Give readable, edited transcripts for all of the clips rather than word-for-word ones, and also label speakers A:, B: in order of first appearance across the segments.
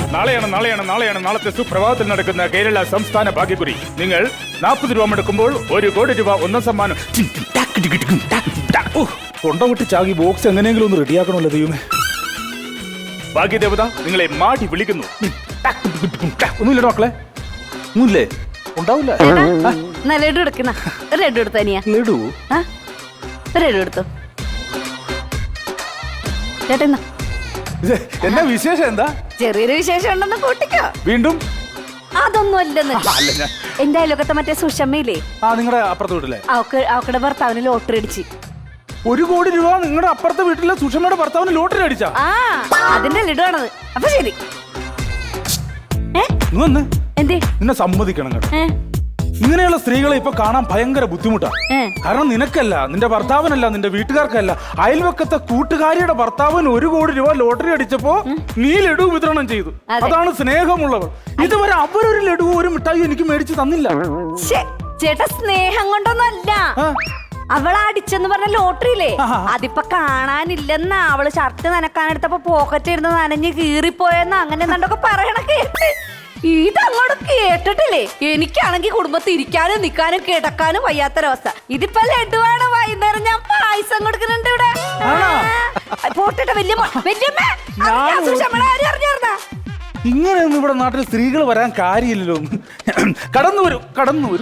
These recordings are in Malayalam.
A: നാളത്തെ സുപ്രഭാതത്തിൽ നടക്കുന്ന കേരള സംസ്ഥാന ഭാഗ്യക്കുറി. നിങ്ങൾ 40 രൂപ മുടക്കുമ്പോൾ 1 കോടി രൂപ ഒന്നാം സമ്മാനം. കൊണ്ടവിട്ട് ചാകി ബോക്സ് എങ്ങനെയെങ്കിലും ഒന്ന് റെഡിയാക്കണമല്ലോ ദൈവമേ. ഭാഗ്യദേവത നിങ്ങളെ മാടി വിളിക്കുന്നു. ഒന്നുമില്ലടോ മക്കളെ, ഒന്നുമില്ലേ? ഉണ്ടാവില്ല.
B: ലഡു എടുക്കുന്ന ലഡു എടുത്തു തനിയാ.
A: ലഡു
B: ലഡു എടുത്തു ചേട്ടാ.
A: എന്നാ വിശേഷം? എന്താ
B: ചെറിയൊരു വിശേഷം ഉണ്ടെന്ന് കൂട്ടിക്കോ.
A: വീണ്ടും
B: അതൊന്നും അല്ലെന്ന്. എന്റെ അയൽവക്കത്തെ മറ്റേ സുഷമ്മയില്ലേ,
A: നിങ്ങളുടെ അപ്പുറത്തെ വീട്ടിലെ
B: അവക്കടെ ഭർത്താവിന് ലോട്ടറി അടിച്ച്
A: 1 കോടി രൂപ. നിങ്ങളുടെ അപ്പുറത്തെ വീട്ടിലെ സുഷമ്മയുടെ ഭർത്താവിന് ലോട്ടറി അടിച്ചാ?
B: അതിന്റെ ലഡുവാണത്. അപ്പൊ ശരി. എന്തേ
A: നിന്നെ സമ്മതിക്കണം കേട്ടോ. ഇങ്ങനെയുള്ള സ്ത്രീകളെ ഇപ്പൊ കാണാൻ ഭയങ്കര ബുദ്ധിമുട്ടാ. കാരണം നിനക്കല്ല, നിന്റെ ഭർത്താവിനല്ല, നിന്റെ വീട്ടുകാർക്കല്ല, അയൽവക്കത്തെ കൂട്ടുകാരിയുടെ ഭർത്താവിന് 1 കോടി രൂപ ലോട്ടറി അടിച്ചപ്പോ നീ ലഡു വിതരണം ചെയ്തു. അതാണ് സ്നേഹമുള്ളവർ. ഇതുവരെ അവരൊരു ലഡു ഒരു മിഠായി എനിക്ക് മേടിച്ചു തന്നില്ല.
B: ചേട്ടാ സ്നേഹം കൊണ്ടൊന്നല്ല, അവള് അടിച്ചെന്ന് പറഞ്ഞ ലോട്ടറിയില്ലേ അതിപ്പോ കാണാനില്ലെന്ന. അവള് ഷർട്ട് നനക്കാനെടുത്തപ്പോ പോക്കറ്റ് ഇരുന്ന് നനഞ്ഞ് കീറിപ്പോയെന്ന് അങ്ങനെ എന്തൊക്കെ പറയണ കേട്ട്. ഇതങ്ങോട്ട് കേട്ടിട്ടില്ലേ? എനിക്കാണെങ്കിൽ കുടുംബത്തിൽ ഇരിക്കാനും നിക്കാനും കിടക്കാനും വയ്യാത്തൊരവസ്ഥ. ഇതിപ്പോ ലഡുവാണ്. വൈകുന്നേരം ഞാൻ പായസം കൊടുക്കുന്നുണ്ട് ഇവിടെ. പോട്ടെ വല്യമ്മ.
A: ഇങ്ങനെയൊന്നും ഇവിടെ നാട്ടിൽ സ്ത്രീകൾ വരാൻ കാര്യമില്ലല്ലോ. കടന്നു വരും.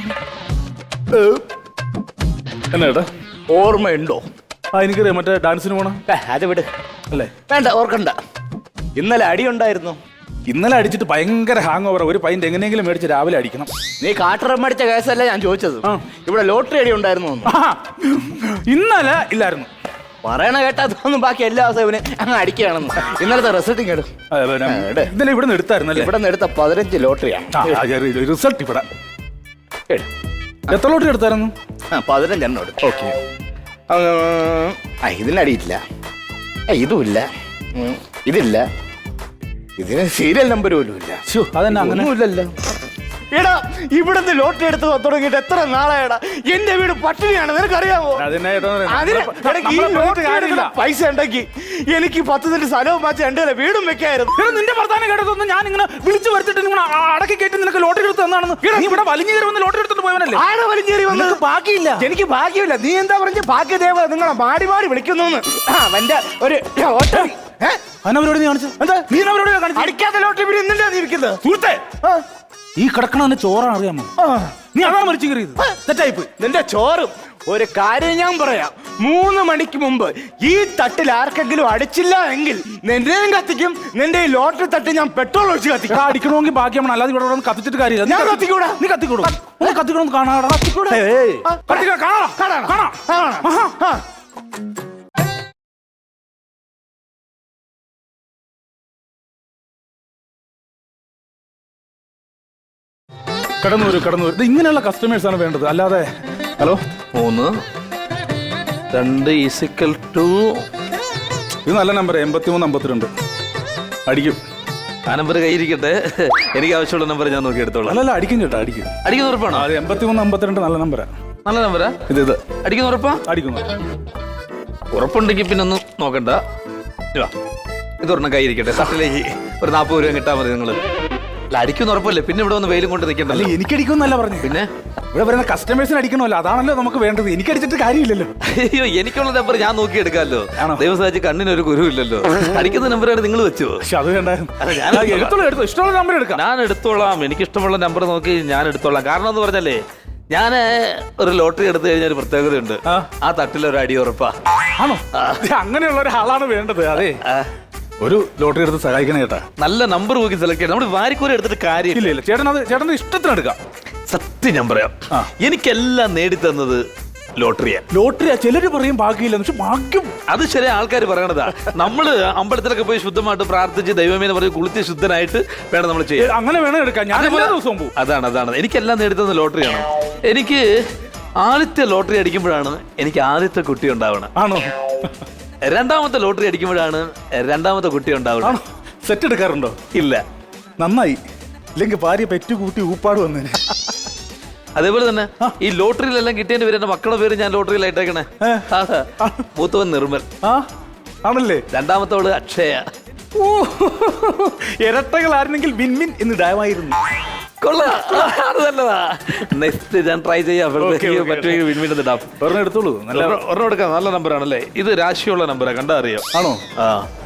A: എന്നാ
C: ഓർമ്മയുണ്ടോ?
A: എനിക്കറിയാം, മറ്റേ ഡാൻസിന് പോണം.
C: അത് വിട്
A: അല്ലേ?
C: വേണ്ട, ഓർക്കണ്ട. ഇന്നലെ അടിയുണ്ടായിരുന്നു.
A: ഇന്നലെ അടിച്ചിട്ട് ഭയങ്കര ഹാങ് ഓവർ. ഒരു പൈൻ്റ് എങ്ങനെയെങ്കിലും മേടിച്ച് രാവിലെ അടിക്കണം.
C: നീ കാട്ടറം അടിച്ച കേസല്ല ഞാൻ ചോദിച്ചത്. ഇവിടെ ലോട്ടറി അടി ഉണ്ടായിരുന്നു.
A: ഇന്നലെ ഇല്ലായിരുന്നു.
C: പറയണ കേട്ടാതൊന്നും ബാക്കി എല്ലാ ദിവസവും അങ്ങ് അടിക്കുകയാണെന്ന്. ഇന്നലത്തെ റിസൾട്ട് കേടും.
A: ഇന്നലെ ഇവിടെ നിന്ന് എടുത്തായിരുന്നല്ലേ?
C: ഇവിടെ നിന്ന് എടുത്ത 15 ലോട്ടറിയാണ്
A: റിസൾട്ട്. ഇവിടെ എത്ര ലോട്ടറി എടുത്തായിരുന്നു?
C: 15 എണ്ണം എടുത്തു.
A: ഓക്കെ.
C: ഇതിനടിയില്ല, ഇതുമില്ല, ഇതില്ല, ഇതിന് സീരിയൽ നമ്പർ പോലും ഇല്ല.
A: അതന്നെ അങ്ങനെയല്ലോ.
C: എടാ, ഇവിടുന്ന് ലോട്ടറി എടുത്ത് തുടങ്ങിയിട്ട് എത്ര നാളായടാ? എന്റെ വീട് പട്ടിണിയാണ്, നിനക്കറിയാമോ? പൈസ ഉണ്ടെങ്കിൽ എനിക്ക് 10 സെന്റ് സ്ഥലവും മാറ്റി 2 വീടും വെക്കായിരുന്നു.
A: നിന്റെ ഭർത്താവിനെ കേട്ടതൊന്നും ഞാൻ ഇങ്ങനെ വിളിച്ചു വരുത്തിട്ട് നിങ്ങൾ അടക്കി കയറ്റി നിനക്ക് ലോട്ടറി എടുത്ത് തന്നാണെന്ന്. നീ ഇവിടെ വലിഞ്ഞേറി വന്ന് ലോട്ടറി എടുത്തിട്ട് പോയവനല്ലേ?
C: ആടെ വലിഞ്ഞേറി വന്നത്? ബാക്കിയില്ല, എനിക്ക് ഭാഗ്യമില്ല. നീ എന്താ പറഞ്ഞ ഭാഗ്യദേവ നിങ്ങളെ മാടി മാടി വിളിക്കുന്നു. അവന്റെ ഒരു അടിക്കാത്ത ലോട്ടറി വീട് എന്തിനാ നീ ഇരിക്കുന്നത്?
A: സുഹൃത്തേ, ഈ കിടക്കണ ചോറാണ്, അറിയാമോ? നീ അതാണ് മരിച്ചു കയറിയത്. തെറ്റായിപ്പോയി.
C: നിന്റെ ചോറും. ഒരു കാര്യം ഞാൻ പറയാം, 3 മണിക്ക് മുമ്പ് ഈ തട്ടിൽ ആർക്കെങ്കിലും അടിച്ചില്ല എങ്കിൽ നിന്റെയും കത്തിക്കും. നിന്റെ ഈ ലോട്ടറി തട്ടി ഞാൻ പെട്രോൾ ഒഴിച്ച് കത്തിക്കും.
A: അടിക്കണമെങ്കിൽ ഭാഗ്യമാണ്, അല്ലാതെ ഇവിടെ കത്തിച്ചിട്ട് കാര്യമില്ല.
C: ഞാൻ കത്തിക്കൂടാ.
A: നീ കത്തിക്കൂടും. കത്തിക്കണമെന്ന് കാണാടാ. കടന്നു വരും. ഇങ്ങനെയുള്ള കസ്റ്റമേഴ്സ് ആണ് വേണ്ടത്, അല്ലാതെ. ഹലോ,
D: 3 2
A: ഇത് നല്ല നമ്പർ. 8352 അടിക്കും.
D: ആ നമ്പർ കയ്യിരിക്കട്ടെ. എനിക്ക് ആവശ്യമുള്ള നമ്പർ ഞാൻ നോക്കി എടുത്തോളാം.
A: അല്ല, അടിക്കും ചേട്ടാ, അടിക്കും.
D: അടിക്കുന്ന ഉറപ്പാണോ?
A: 8352 നല്ല നമ്പരാ.
D: നല്ല നമ്പരാ ഇത്. അടിക്കുന്ന ഉറപ്പാ?
A: അടിക്കുന്നു.
D: ഉറപ്പുണ്ടെങ്കിൽ പിന്നെ ഒന്നും നോക്കണ്ട. ഇതൊരെണ്ണം കയ്യിരിക്കട്ടെ. സട്ടിലേക്ക് ഒരു 40 രൂപ കിട്ടാൻ മതി. നിങ്ങൾ അടിക്കുന്ന ഉറപ്പല്ലേ? പിന്നെ ഇവിടെ വന്ന് വെയിലും കൊണ്ട് നിൽക്കണ്ടല്ലോ.
A: എനിക്ക് അടിക്കുമെന്നല്ല പറഞ്ഞു.
D: പിന്നെ
A: ഇവിടെ വരുന്ന കസ്റ്റമേഴ്സിന് അടിക്കണമല്ലോ, അതാണല്ലോ നമുക്ക് വേണ്ടത്. എനിക്ക് അടിച്ചിട്ട് കാര്യമില്ലല്ലോ.
D: അയ്യോ, എനിക്കുള്ള നമ്പർ ഞാൻ നോക്കി എടുക്കാമല്ലോ. ദൈവം സാധിച്ച് കണ്ണിനൊരു കുരുവില്ലല്ലോ. അടിക്കുന്ന നമ്പറാണ് നിങ്ങൾ വെച്ചോ?
A: പക്ഷെ അത് വേണ്ടായിരുന്നു. ഇഷ്ടമുള്ള നമ്പർ എടുക്കാം.
D: ഞാൻ എടുത്തോളാം. എനിക്ക് ഇഷ്ടമുള്ള നമ്പർ നോക്കി ഞാൻ എടുത്തോളാം. കാരണം എന്ന് പറഞ്ഞാലേ, ഞാൻ ഒരു ലോട്ടറി എടുത്തു കഴിഞ്ഞാൽ ഒരു പ്രത്യേകതയുണ്ട്. ആ തട്ടിലൊരു അടി ഉറപ്പാ.
A: ആണോ? അങ്ങനെയുള്ള ഒരാളാണ് വേണ്ടത്. അതെ, ഒരു ലോട്ടറി എടുത്ത് സഹായിക്കണം ചേട്ടാ.
D: നല്ല നമ്പർ നോക്കി സെലക്ട് ചെയ്യണം. നമ്മൾ വാരിക്കൂര എടുത്തിട്ട് കാര്യമില്ല.
A: ചേട്ടന്റെ ഇഷ്ടത്തിന് എടുക്കാം.
D: സത്യം ഞാൻ പറയാം, എനിക്കെല്ലാം നേടിത്തന്നത് ലോട്ടറിയാ.
A: ചിലര് പറയും ഭാഗ്യമില്ല, പക്ഷെ ഭാഗ്യം
D: അത് ചില ആൾക്കാർ പറയണതാ. നമ്മള് അമ്പലത്തിലൊക്കെ പോയി ശുദ്ധമായിട്ട് പ്രാർത്ഥിച്ച് ദൈവമേന്ന് പറഞ്ഞ് കുളിച്ച് ശുദ്ധനായിട്ട് വേണം നമ്മൾ ചെയ്യാൻ.
A: അങ്ങനെ വേണം എടുക്കാൻ. ഞാൻ എല്ലാ ദിവസവും പോകും.
D: അതാണ് എനിക്കെല്ലാം നേടിത്തന്നത് ലോട്ടറിയാണ്. എനിക്ക് ആദ്യത്തെ ലോട്ടറി അടിക്കുമ്പോഴാണ് എനിക്ക് ആദ്യത്തെ കുട്ടി ഉണ്ടാവണം.
A: ആണോ?
D: രണ്ടാമത്തെ ലോട്ടറി അടിക്കുമ്പോഴാണ് രണ്ടാമത്തെ കുട്ടി ഉണ്ടാവണം.
A: സെറ്റ് എടുക്കാറുണ്ടോ?
D: ഇല്ല.
A: നന്നായി, ഇല്ലെങ്കിൽ ഭാര്യ പെറ്റുകൂട്ടി ഊപ്പാട് വന്നേനെ.
D: അതേപോലെ തന്നെ ഈ ലോട്ടറിയിലെല്ലാം കിട്ടിയതിന്റെ പേര് എന്റെ മക്കളുടെ പേര് ഞാൻ ലോട്ടറിയിലായിട്ടേക്കണേ. മൂത്തവൻ നിർമ്മൽ
A: ആണല്ലേ?
D: രണ്ടാമത്തോട് അക്ഷയ.
A: ഓ, ഇരട്ടകളായിരുന്നെങ്കിൽ വിൻമിൻ എന്ന് ഇടാമായിരുന്നു.
D: കൊള്ളാം, അത് നല്ലതാ. നെക്സ്റ്റ് ഞാൻ ട്രൈ ചെയ്യാം. പറ്റുമെങ്കിൽ വിൻവിൻ ഇടാം.
A: ഒരെണ്ണം എടുത്തോളൂ. നല്ല
D: ഒരെണ്ണം എടുക്കാം. നല്ല നമ്പറാണല്ലേ ഇത്? രാശിയുള്ള നമ്പറാ, കണ്ടാ അറിയാം.
A: ആണോ?
D: ആ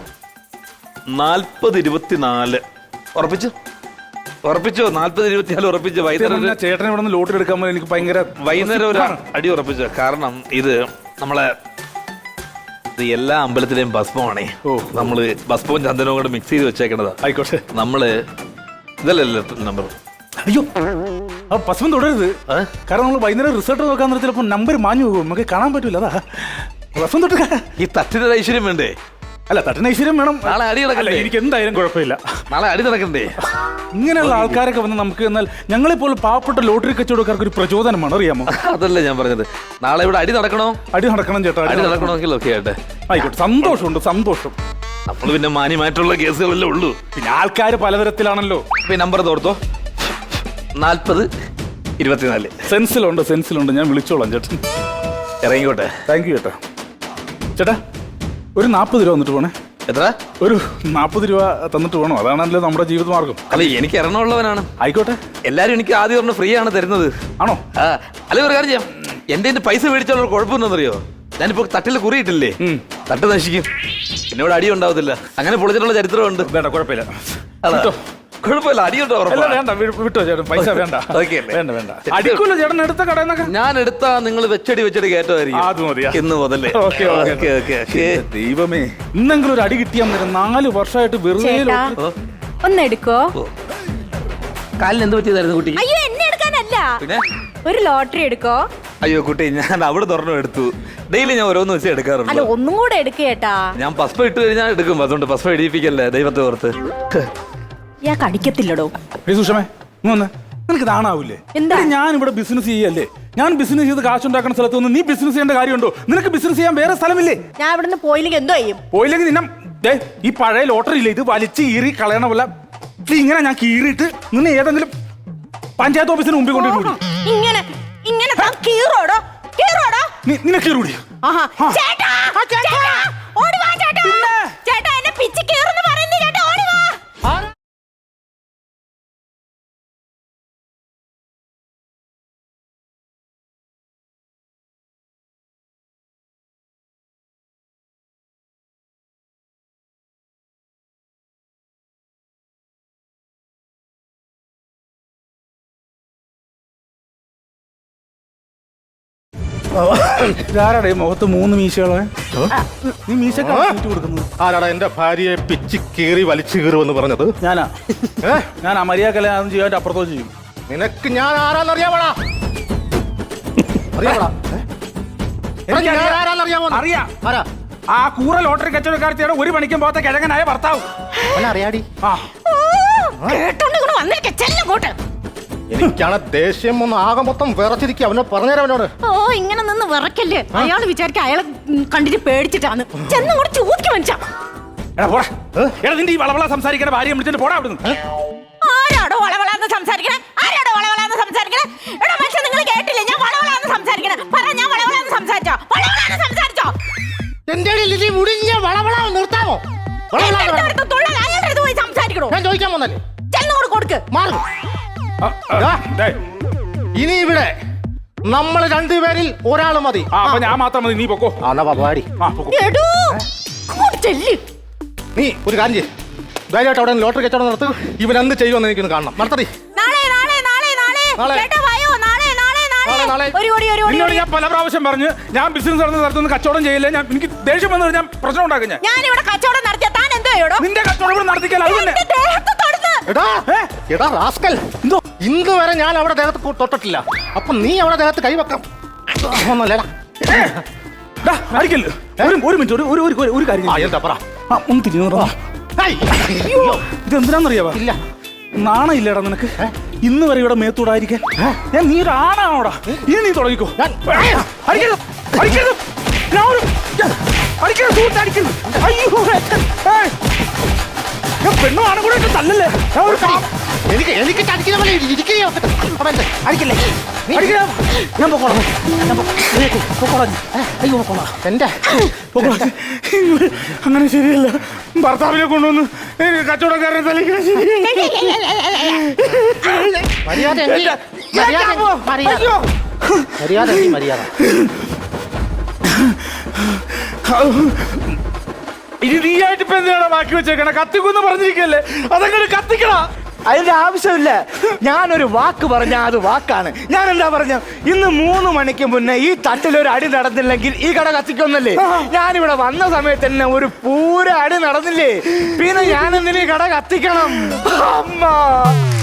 D: 40-24 ഉറപ്പിച്ചു. 40-24 ഉറപ്പിച്ചു. വൈകുന്നേരം
A: ചേട്ടനെ ഇവിടെ നിന്ന് ലോട്ടറി എടുക്കാൻ പോയി എനിക്ക് ഭയങ്കര
D: വൈകുന്നേരം ഒരു അടി ഉറപ്പിച്ചു. കാരണം ഇത് നമ്മളെ ഇത് എല്ലാ അമ്പലത്തിലെയും ഭസ്മമാണേ. നമ്മള് ഭസ്മവും ചന്ദനവും കൂടെ മിക്സ് ചെയ്ത് വെച്ചേക്കണതാ.
A: ആയിക്കോട്ടെ.
D: നമ്മള് ഇതല്ലല്ലോ നമ്പർ.
A: അയ്യോ, ആ ഭസ്മം തുടരുത്. കാരണം നമ്മൾ വൈകുന്നേരം റിസൾട്ട് നോക്കാൻ നേരത്തിൽ ചിലപ്പോൾ നമ്പർ മാഞ്ഞു പോകും, നമുക്ക് കാണാൻ പറ്റൂല. അതാ ഭസ്മം തൊട്ട്.
D: ഈ തട്ടിന്റെ ഐശ്വര്യം വേണ്ടേ?
A: അല്ല, തട്ടിന് ഐശ്വര്യം വേണം.
D: നാളെ അടി നടക്കണ്ടേ?
A: എനിക്ക് എന്തായാലും കുഴപ്പമില്ല.
D: നാളെ അടി നടക്കണ്ടേ?
A: ഇങ്ങനെയുള്ള ആൾക്കാരൊക്കെ വന്ന് നമുക്ക് എന്നാൽ ഞങ്ങളെപ്പോലെ പാവപ്പെട്ട ലോട്ടറി കച്ചവടക്കാർക്ക് ഒരു പ്രചോദനമാണ്, അറിയാമോ?
D: അതല്ല ഞാൻ പറഞ്ഞത്. നാളെ ഇവിടെ അടി നടക്കണോ?
A: അടി നടക്കണം ചേട്ടാ.
D: അടി നടക്കണമെങ്കിൽ ഓക്കെ ആട്ടെ.
A: ആയിക്കോട്ടെ, സന്തോഷമുണ്ട്, സന്തോഷം.
D: നമ്മൾ പിന്നെ മാന്യമായിട്ടുള്ള കേസുകളല്ലേ ഉള്ളൂ.
A: പിന്നെ ആൾക്കാർ പലതരത്തിലാണല്ലോ.
D: ഇപ്പൊ നമ്പർ തോർത്തോ. 40-24
A: സെൻസിലുണ്ട്. ഞാൻ വിളിച്ചോളാം ചേട്ടൻ.
D: ഇറങ്ങിക്കോട്ടെ.
A: താങ്ക് യു ചേട്ടാ. ചേട്ടാ ഒരു 40 രൂപ തന്നിട്ട് പോണേ.
D: എത്ര?
A: ഒരു 40 രൂപ തന്നിട്ട് പോകണം, അതാണല്ലോ നമ്മുടെ ജീവിത മാർഗം.
D: അല്ല, എനിക്ക് ഇറങ്ങുള്ളവനാണ്.
A: ആയിക്കോട്ടെ.
D: എല്ലാരും എനിക്ക് ആദ്യം പറഞ്ഞ ഫ്രീ ആണ് തരുന്നത്.
A: ആണോ?
D: അല്ലെ ഒരു കാര്യം ചെയ്യാം. എന്റെ പൈസ മേടിച്ചാലുള്ള കുഴപ്പമെന്നറിയോ? ഞാനിപ്പോ തട്ടിൽ കുറിയിട്ടില്ലേ, തട്ട് നശിക്കും, എന്നോട് അടി ഉണ്ടാവത്തില്ല. അങ്ങനെ പൊളിച്ചിട്ടുള്ള ചരിത്രമുണ്ട്.
A: വേണ്ട, കുഴപ്പമില്ല.
D: കുഴപ്പമില്ല, അടിയുണ്ടോ?
A: വേണ്ട, വിട്ടോ ചേട്ടൻ, പൈസ വേണ്ട. വേണ്ട. അടിക്കൂല ചേട്ടൻ എടുത്ത കടന്നൊക്കെ.
D: ഞാൻ എടുത്താ നിങ്ങൾ വെച്ചടി കയറ്റമായിരിക്കും.
A: അത് മതിയാ.
D: ഇന്ന് മുതലേ.
A: ദൈവമേ, ഇന്നെങ്കിലും ഒരു അടി കിട്ടിയാൽ മതി. 4 വർഷമായിട്ട് വെറുതെ
B: ഒന്നെടുക്കോ.
D: കാലിന് എന്ത് പറ്റിയതായിരുന്നു കുട്ടി?
B: അയ്യോ, എന്നെ എടുക്കാനല്ല,
D: പിന്നെ
B: ഒരു ലോട്ടറി എടുക്കോ.
D: അയ്യോ കുട്ടി, ഞാൻ അവിടെ തുറന്നു എടുത്തു. ഡെയിലി ഞാൻ ഓരോന്ന് വെച്ച് എടുക്കാറുണ്ട്.
B: അല്ല, ഒന്നും കൂടെ എടുക്കേട്ടാ.
D: ഞാൻ പസ്പ ഇട്ട് കഴിഞ്ഞാൽ എടുക്കും. അതുകൊണ്ട് പസ്പ ഇടിയിപ്പിക്കല്ലേ, ദൈവത്തെ ഓർത്ത്.
B: ഞാൻ കടിക്കത്തില്ലടോ.
A: സുഷമേ, നിനക്ക് താണാവൂലേ?
B: എന്താ?
A: ഞാൻ ഇവിടെ ബിസിനസ് ചെയ്യല്ലേ. ഞാൻ ബിസിനസ് ചെയ്ത് കാശുണ്ടാക്കുന്ന സ്ഥലത്ത് നിന്ന് നീ ബിസിനസ് ചെയ്യേണ്ട കാര്യമുണ്ടോ? നിനക്ക് ബിസിനസ് ചെയ്യാൻ വേറെ സ്ഥലമില്ലേ?
B: ഞാൻ ഇവിടുന്ന് പോയില്ലെങ്കിൽ എന്തോ ചെയ്യും?
A: പോയില്ലെങ്കിൽ നിന്നെ ഈ പഴയ ലോട്ടറി ഇല്ലേ, ഇത് വലിച്ച് കീറി കളയണ പോലെ ഇങ്ങനെ ഞാൻ കീറിയിട്ട് നിന്നെ ഏതെങ്കിലും പഞ്ചായത്ത് ഓഫീസിന് മുമ്പിൽ കൊണ്ടുപോയി.
B: ഇങ്ങനെ
A: നിന്നെ കീറൂടി. ഇതാരാടേ മുഖത്ത് 3 മീശകളെ? നീ മീശ കൊടുക്കുന്നത്
E: ആരാടാ? എന്റെ ഭാര്യയെ പിച്ചി കീറി വലിച്ചു കീറുമെന്ന് പറഞ്ഞത്
A: ഞാനാ. ഞാൻ അമരിയാക്കല അതൊന്നും ചെയ്യാൻ അപ്പുറത്തോ ചെയ്യും.
E: നിനക്ക് ഞാൻ ആരാന്നറിയാമോടാ?
A: അറിയാം. ആ കൂറ ലോട്ടറി കച്ചവടക്കാരത്തിയാണ് 1 മണിക്കും പോകാത്ത കിഴങ്ങനായ ഭർത്താവ്.
E: അറിയാടി.
B: വന്നിട്ട്
E: എനിക്കാണ് ദേഷ്യം ഒന്ന് ആകെ മൊത്തം വിറച്ചിരിക്കുക. അവനോ പറഞ്ഞുതരാം അവനോട്.
B: ഓ, ഇങ്ങനെ നിന്ന് വിറക്കല്ലേ. അയാൾ വിചാരിക്ക അയാളെ കണ്ടിട്ട് പേടിച്ചിട്ടാണ്. ചെന്നങ്ങോട്ട് ചോദിക്കും മനുഷ്യ.
A: നിന്റെ ഈ വളവള സംസാരിക്കുന്ന ഭാര്യ വിളിച്ചിട്ട് പോടാ അവിടുന്ന്.
B: ആരാടോ വളവളാന്ന് സംസാരിക്കണേ? ആരാടോ വളവളാന്ന് സംസാരിക്കണേ? എടാ മനുഷ്യ, നിങ്ങൾ കേട്ടില്ലേ ഞാൻ വളവളാന്ന് സംസാരിക്കണേ? പറ, ഞാൻ വളവളാന്ന് സംസാരിച്ചോ? വളവളാന്ന് സംസാരിച്ചോ?
E: എന്റെ മുടിഞ്ഞ വളവള നിർത്താമോ?
B: പോയി സംസാരിക്കണോ?
E: ഞാൻ ചോദിക്കാൻ വന്നല്ലേ.
B: ചെന്നോട് കൊടുക്ക്.
E: മാറും. ഇനി ഇവിടെ നമ്മൾ 2 പേരിൽ ഒരാൾ മതി.
A: അപ്പൊ ഞാൻ മാത്രം മതി, നീ പൊക്കോ.
E: പാടി. നീ ഒരു കാര്യം ചെയ്യ്, ധൈര്യമായിട്ട് അവിടെ ലോട്ടറി കച്ചവടം നടത്ത്. ഇവൻ എന്ത് ചെയ്യുമെന്ന് എനിക്കൊന്ന് കാണണം. നടത്തടി.
A: നിന്നോട് ഞാൻ പല പ്രാവശ്യം പറഞ്ഞു, ഞാൻ ബിസിനസ് നടന്ന സ്ഥലത്തൊന്നും കച്ചവടം ചെയ്യില്ല. എനിക്ക് ദേഷ്യം വന്നു ഞാൻ പ്രശ്നം ഉണ്ടാക്കും.
B: ഞാനിവിടെ കച്ചവടം നടത്തിയ താൻ എന്തോ
A: നിന്റെ കച്ചവടം നടത്തിക്കാൻ
E: ഇന്ന് വരെ ഞാൻ അവിടെ ദേഹത്ത് തൊട്ടിട്ടില്ല. അപ്പൊ നീ അവിടെ ദേഹത്ത് കൈവെക്കാം.
A: ഒരു മിനിറ്റ്, ഒരു കാര്യം.
E: എന്താ പറ?
A: ഒന്ന് തിരിഞ്ഞു. ഇതെന്തിനാന്നറിയാവാ?
E: ഇല്ല.
A: നാണ ഇല്ലേടാ നിനക്ക്? ഇന്ന് വരെ ഇവിടെ മേത്തൂടായിരിക്കാൻ. ഞാൻ നീ ഒരു ആണാണോടാ? ഇനി നീ തുടങ്ങിക്കോ. പെണ്ണും ആണും കൂടെ തല്ലല്ലേ.
E: എനിക്ക് ചടിക്കുന്ന പോലെ ഇരിക്കുകയോ
C: അടിക്കില്ലേ
E: അടിക്കണം.
C: ഞാൻ പൊക്കോളാം പൊക്കോളാം അയ്യോ പൊക്കോളാം
E: എന്റെ
A: അങ്ങനെ ശരിയല്ല. ഭർത്താവിനെ കൊണ്ടുവന്ന് കച്ചവടക്കാരനെ തലയ്ക്കാൻ ശരിയല്ല.
E: മര്യാദ എങ്കിൽ മര്യാദ.
A: ഇനി നീയായിട്ട് ഇപ്പൊ എന്തിനാണ് ബാക്കി വെച്ചേക്കണ? കത്തിക്കുന്ന് പറഞ്ഞിരിക്കല്ലേ, അതങ്ങനെ കത്തിക്കണ.
C: അതിന്റെ ആവശ്യമില്ല. ഞാനൊരു വാക്ക് പറഞ്ഞാൽ അത് വാക്കാണ്. ഞാൻ എന്താ പറഞ്ഞ, ഇന്ന് 3 മണിക്ക് മുന്നേ ഈ തട്ടിലൊരു അടി നടന്നില്ലെങ്കിൽ ഈ കട കത്തിക്കൊന്നല്ലേ. ഞാനിവിടെ വന്ന സമയത്ത് തന്നെ ഒരു പൂര അടി നടന്നില്ലേ, പിന്നെ ഞാൻ എന്തിനീ കട കത്തിക്കണം? അമ്മ